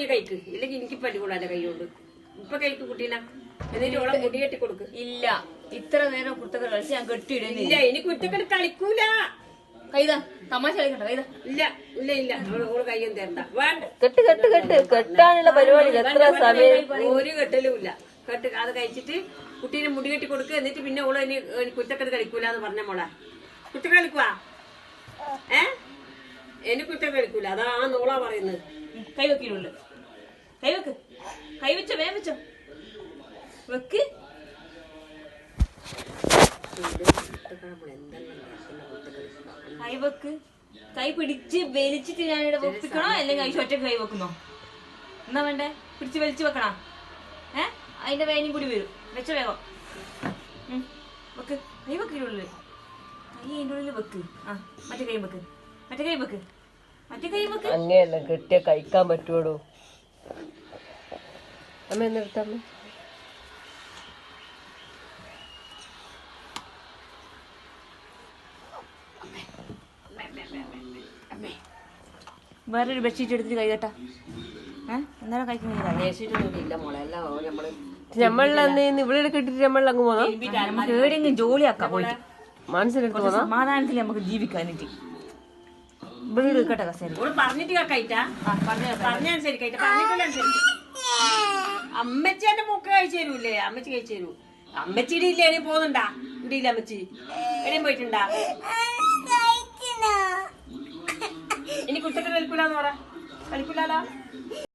നീ കഴിക്ക്, ഇല്ലെങ്കിൽ എനിക്ക് പല്ലുകൂടാ കൈ കൊണ്ട്. ഇപ്പൊ കഴിക്ക് കുട്ടീന, എന്നിട്ട് ഓളെ മുടി കെട്ടി കൊടുക്ക്. ഇല്ല, ഇത്ര നേരം കുർത്തക്കട കളിച്ച് ഞാൻ കെട്ടിയിടുന്നില്ല. ഇനി കുറ്റക്കട കളിക്കൂല. കൈതാ തമാശ കളിക്കണ്ട. കൈതാ. ഇല്ല ഇല്ല ഇല്ല, ഓള് കയ്യൊന്നും തരണ്ട. വേണ്ട, കെട്ടാനുള്ള പരിപാടി എത്ര സമയം? ഒരു കെട്ടലും ഇല്ല. കെട്ട് അത് കഴിച്ചിട്ട് കുട്ടീനെ മുടി കെട്ടി കൊടുക്കുക. എന്നിട്ട് പിന്നെ ഓള് ഇനി കുറ്റക്കട കളിക്കൂല എന്ന് പറഞ്ഞ മോളെ. കുറ്റക്കട കളിക്കുവാ? എനിക്ക് കുറ്റക്കട കളിക്കൂല, അതാ ആ നോളാ പറയുന്നത്. കൈ വെക്കിടുള്ളു. കൈ വെക്ക്. കൈ വെച്ചോ, വേഗം വെച്ചോ. വെക്ക്. കൈ വെക്ക്. കൈ പിടിച്ച് വലിച്ചിട്ട് ഞാനിവിടെ വെപ്പിക്കണോ, അല്ലെങ്കിൽ ഐശ ഒറ്റ കൈ വെക്കുന്നോ? എന്നാ വേണ്ടേ? പിടിച്ച് വലിച്ചു വെക്കണോ? അതിന്റെ വേനയും കൂടി വരും. വെച്ച വേഗം വെക്ക്. കൈ വെക്കിടുള്ളു. കൈ അതിന്റെ ഉള്ളിൽ വെക്ക്. മറ്റേ കൈ വെക്ക്. മറ്റേ കൈ വെക്ക്. മറ്റേ കൈ വെക്ക്. അങ്ങനെയല്ല, കെട്ടിയ കഴിക്കാൻ പറ്റുള്ളൂ. അമ്മ എന്നെടുത്തമ്മ. വേറൊരു ബെഡ്ഷീറ്റ് എടുത്തിട്ട് കൈ കേട്ടാ. എന്നാലും ഇല്ല മോളെ, എല്ലാം നമ്മള് നമ്മളന്ന് ഇവിടെ കെട്ടിട്ട് നമ്മൾ അങ്ങ് പോകാം. നമുക്ക് എവിടെയെങ്കിലും ജോലിയാക്കാം പോയിട്ട്. മനസ്സിലെടുത്ത് സമാധാനത്തിൽ നമുക്ക് ജീവിക്കാനിട്ട് വീട് കേട്ടോ. കസേര പറഞ്ഞിട്ട് കേക്കായിട്ടാ, പറഞ്ഞനുസരിക്കായിട്ടാ, പറഞ്ഞിട്ടുള്ള അമ്മച്ചി എന്റെ മൂക്ക് കഴിച്ചു തരൂല്ലേ? അമ്മച്ചി കഴിച്ചു തരൂ. അമ്മച്ചിയുടെ ഇല്ല, എവിടെ പോകുന്നുണ്ടാ? ഇവിടെ ഇല്ല അമ്മച്ചി, എവിടെയും പോയിട്ടുണ്ടാ? ഇനി കുറ്റത്തിന് കളിക്കൂലെന്ന് പറ. കളിക്കൂലാലോ.